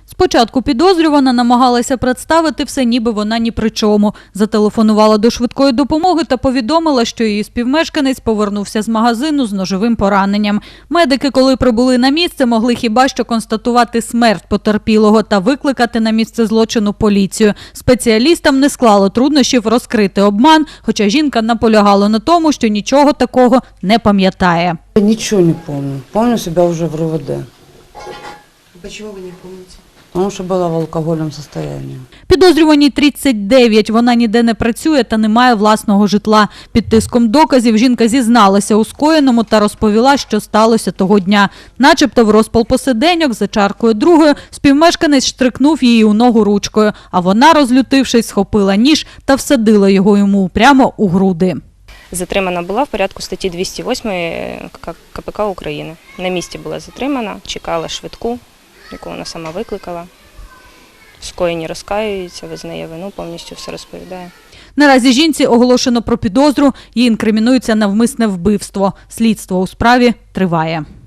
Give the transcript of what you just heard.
Спочатку підозрювана намагалася представити все, ніби вона ні при чому. Зателефонувала до швидкої допомоги та повідомила, що її співмешканець повернувся з магазину з ножовим пораненням. Медики, коли прибули на місце, могли хіба що констатувати смерть потерпілого та викликати на місце злочину поліцію. Спеціалістам не склало труднощів розкрити обман, хоча жінка наполягала на тому, що нічого такого не пам'ятає. Ничего не помню. Помню себя уже в РУВД. Почему вы не помните? Потому что была в алкогольном состоянии. Підозрюваній 39, вона ніде не працює та не має власного житла. Під тиском доказів жінка зізналася у скоєному та розповіла, що сталося того дня. Начебто в розпал посиденьок за чаркою другою співмешканець штрикнув її у ногу ручкою, а вона, розлютившись, схопила ніж та всадила його йому прямо у груди. Затримана була в порядку статті 208 КПК України. На місці була затримана, чекала швидку, яку вона сама викликала. В скоєнні розкаюється, визнає вину, повністю все розповідає. Наразі жінці оголошено про підозру, їй інкримінується навмисне вбивство. Слідство у справі триває.